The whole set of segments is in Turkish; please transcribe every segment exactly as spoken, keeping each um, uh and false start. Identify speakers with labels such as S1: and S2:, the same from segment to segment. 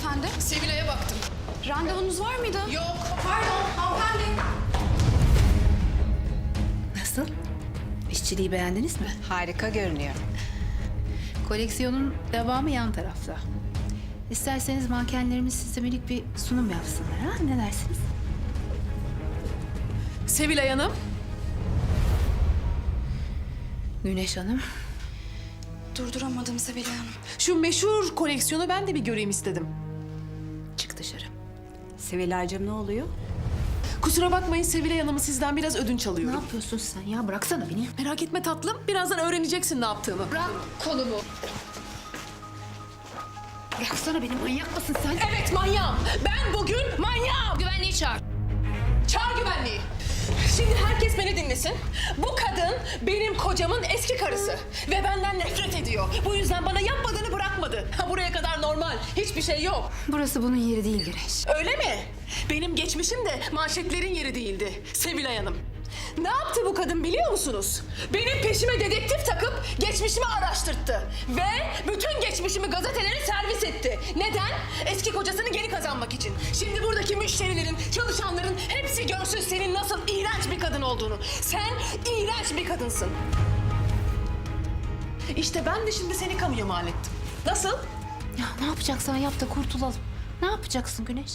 S1: hanımefendi?
S2: Sevilay'a baktım.
S1: Randevunuz var mıydı?
S2: Yok.
S1: Pardon hanımefendi.
S3: Nasıl? İşçiliği beğendiniz mi?
S4: Harika görünüyor.
S3: Koleksiyonun devamı yan tarafta. İsterseniz mankenlerimiz size minik bir sunum yapsınlar, ha? Ne dersiniz?
S2: Sevilay Hanım.
S3: Güneş Hanım.
S1: Durduramadım Sevilay Hanım.
S2: Şu meşhur koleksiyonu ben de bir göreyim istedim.
S3: Çık dışarı.
S4: Sevilay'cığım ne oluyor?
S2: Kusura bakmayın Sevilay Hanım'ı sizden biraz ödünç
S3: Ne
S2: alıyorum.
S3: yapıyorsun sen ya? Bıraksana beni.
S2: Merak etme tatlım. Birazdan öğreneceksin ne yaptığımı.
S3: Bırak kolumu. Bıraksana beni. Manyak mısın sen?
S2: Evet manyağım. Ben bugün manyağım.
S3: Güvenliği çağır.
S2: Çağır güvenliği. Şimdi herkes beni dinlesin. Bu kadın benim kocamın eski karısı. Ve benden nefret ediyor. Bu yüzden bana yapmadığını bırakmadı. Ha, buraya kadar normal. Hiçbir şey yok.
S3: Burası bunun yeri değil Güneş.
S2: Öyle mi? Benim geçmişim de manşetlerin yeri değildi Sevilay Hanım. Ne yaptı bu kadın biliyor musunuz? Benim peşime dedektif takıp geçmişimi araştırttı. Ve bütün geçmişimi gazetelere servis etti. Neden? Eski kocasını geri kazanmak için. Şimdi buradaki müşterilerin, çalışanların hepsi görsün senin nasıl iğrenç bir kadın olduğunu. Sen iğrenç bir kadınsın. İşte ben de şimdi seni kamuya mal ettim. Nasıl?
S3: Ya ne yapacaksan yap da kurtulalım. Ne yapacaksın Güneş?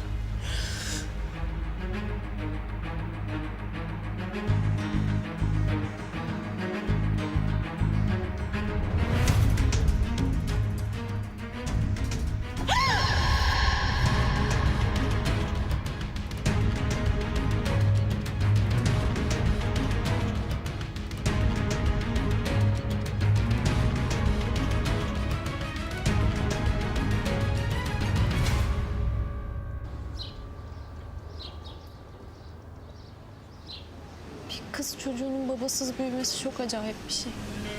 S5: Kız çocuğunun babasız büyümesi çok acayip bir şey.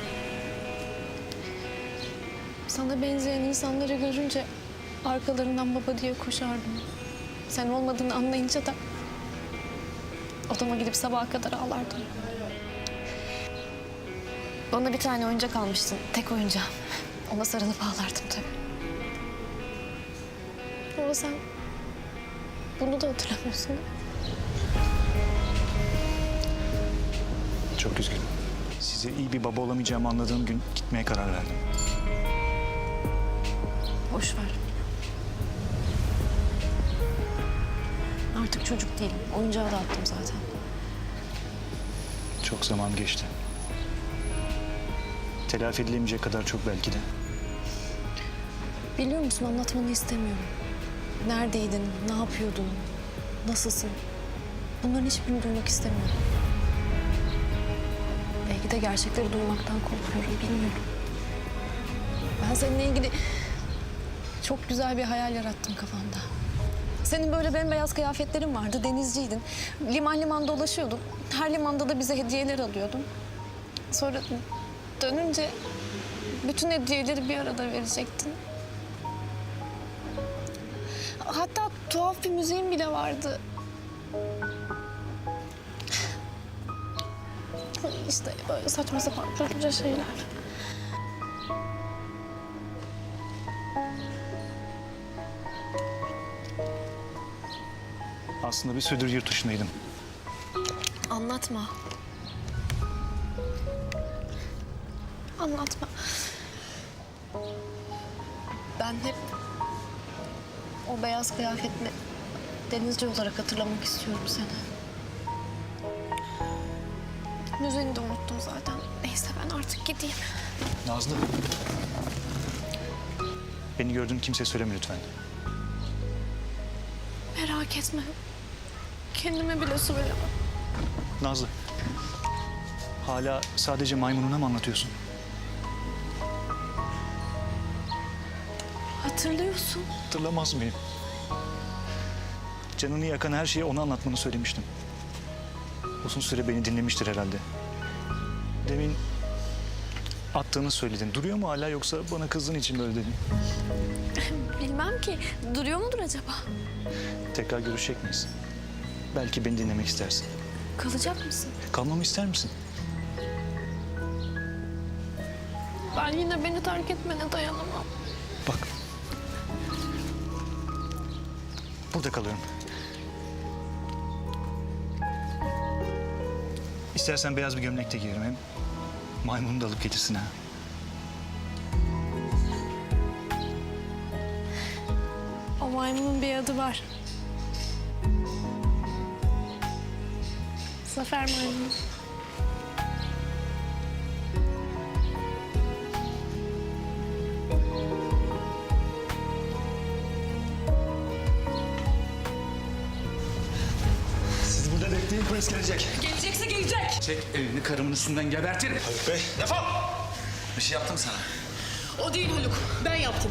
S5: Sana benzeyen insanları görünce arkalarından baba diye koşardım. Sen olmadığını anlayınca da odama gidip sabaha kadar ağlardım. Bana bir tane oyuncak almıştın, tek oyuncağım. Ona sarılıp ağlardım tabii. Ama sen bunu da hatırlamıyorsun değil mi?
S6: Çok üzgünüm. Size iyi bir baba olamayacağımı anladığım gün gitmeye karar verdim.
S5: Boş ver. Artık çocuk değilim. Oyuncağı da attım zaten.
S6: Çok zaman geçti. Telafi edilemeyecek kadar çok belki de.
S5: Biliyor musun, anlatmanı istemiyorum. Neredeydin, ne yapıyordun, nasılsın? Bunların hiçbirini duymak istemiyorum. Belki de gerçekleri duymaktan korkuyorum, bilmiyorum. Ben seninle ilgili çok güzel bir hayal yarattım kafamda. Senin böyle bembeyaz kıyafetlerin vardı, denizciydin. Liman liman dolaşıyordun. Her limanda da bize hediyeler alıyordun. Sonra dönünce bütün hediyeleri bir arada verecektin. Hatta tuhaf bir müziğin bile vardı. İşte böyle saçma sapan çocukça şeyler.
S6: Aslında bir süredir yurt dışındaydım.
S5: Anlatma. Anlatma. Ben hep o beyaz kıyafetle denizci olarak hatırlamak istiyorum seni. Müziğini de unuttum zaten. Neyse ben artık gideyim.
S6: Nazlı. Beni gördüğün kimseye söyleme lütfen.
S5: Merak etme. Kendime bile söylemem.
S6: Nazlı. Hala sadece maymununa mı anlatıyorsun?
S5: Hatırlıyorsun.
S6: Hatırlamaz mıyım? Canını yakan her şeyi ona anlatmanı söylemiştim. Uzun süre beni dinlemiştir herhalde. Demin attığını söyledin. Duruyor mu hala yoksa bana kızdığın için böyle dedin?
S5: Bilmem ki. Duruyor mudur acaba?
S6: Tekrar görüşecek miyiz? Belki beni dinlemek istersin.
S5: Kalacak mısın?
S6: Kalmamı ister misin?
S5: Ben yine beni terk etmene dayanamam.
S6: Bak. Burada kalıyorum. İstersen beyaz bir gömlek de giyerim. Hem maymunu da alıp getirsin ha.
S5: O maymunun bir adı var. Zafer maymunu.
S6: Siz burada bekleyin, polis gelecek.
S2: Gelecekse gelecek.
S7: Çek elini karımın üstünden gebertirim.
S6: Haluk Bey.
S7: Defol! Bir şey yaptım sana.
S2: O değil Haluk. Ben yaptım.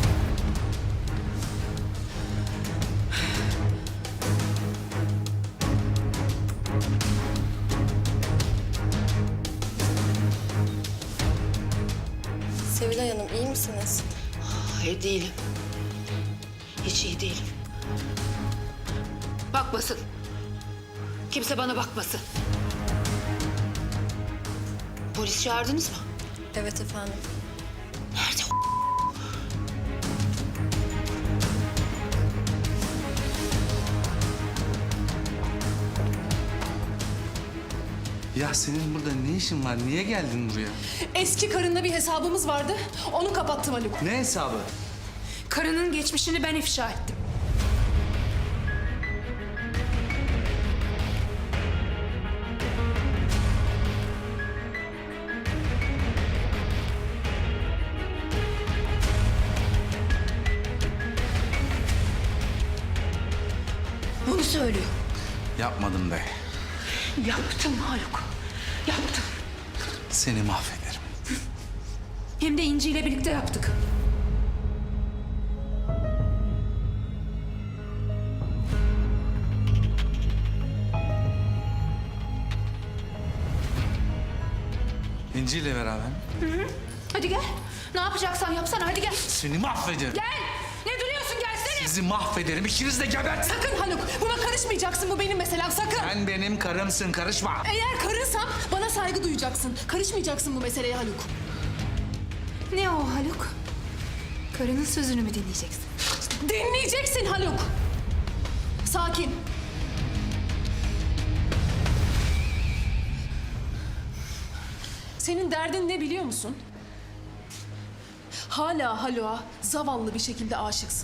S8: Sevilay Hanım iyi misiniz?
S3: Hayır değilim. Hiç iyi değilim. Bakmasın. Kimse bana bakmasın. Polis çağırdınız mı?
S8: Evet efendim.
S3: Nerede o?
S7: Ya senin burada ne işin var? Niye geldin buraya?
S2: Eski karınla bir hesabımız vardı. Onu kapattım Haluk.
S7: Ne hesabı?
S3: Karının geçmişini ben ifşa ettim. Bunu söylüyor.
S7: Yapmadım be.
S3: Yaptım Haluk. Yaptım.
S7: Seni mahvederim.
S3: Hem de İnci ile birlikte yaptık.
S7: İnci ile beraber.
S3: Hadi gel. Ne yapacaksan yapsana. Hadi gel.
S7: Seni mahvederim.
S3: Gel. Ne duruyorsun? Gelsene.
S7: Sizi mahvederim. İkiniz de gebert.
S2: Sakın Haluk. Buna karışmayacaksın. Bu benim meselem. Sakın.
S7: Sen benim karımsın. Karışma.
S2: Eğer karınsam bana saygı duyacaksın. Karışmayacaksın bu meseleye Haluk.
S3: Ne o Haluk? Karının sözünü mü dinleyeceksin?
S2: Dinleyeceksin Haluk. Sakin. Senin derdin ne biliyor musun? Hala Haluk'a zavallı bir şekilde aşıksın.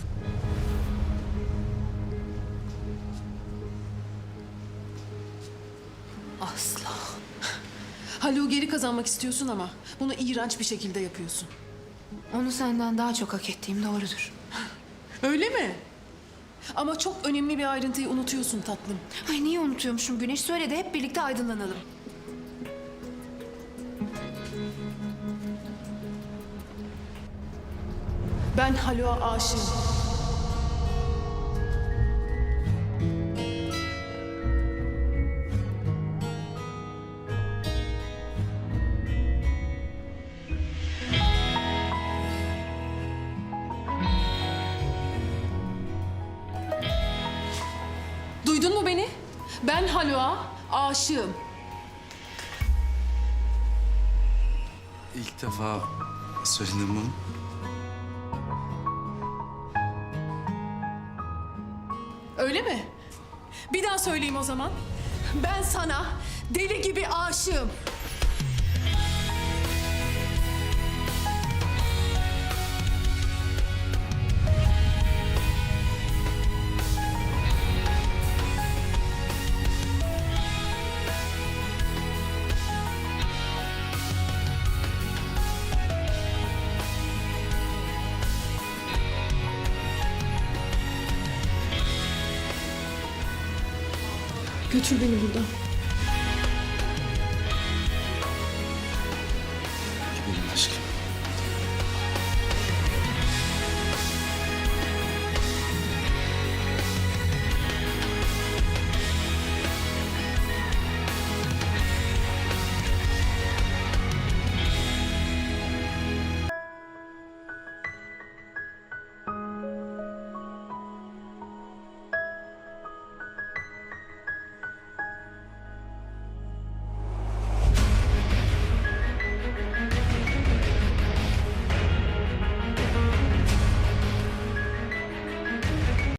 S3: Asla.
S2: Haluk'u geri kazanmak istiyorsun ama bunu iğrenç bir şekilde yapıyorsun.
S3: Onu senden daha çok hak ettiğim doğrudur.
S2: Öyle mi? Ama çok önemli bir ayrıntıyı unutuyorsun tatlım.
S3: Ay niye unutuyormuşum Güneş? Söyle de hep birlikte aydınlanalım.
S2: Ben Haluk'a aşığım. Duydun mu beni? Ben Haluk'a aşığım.
S7: İlk defa söyledim bunu.
S2: Öyle mi? Bir daha söyleyeyim o zaman. Ben sana deli gibi aşığım. Götür beni buradan.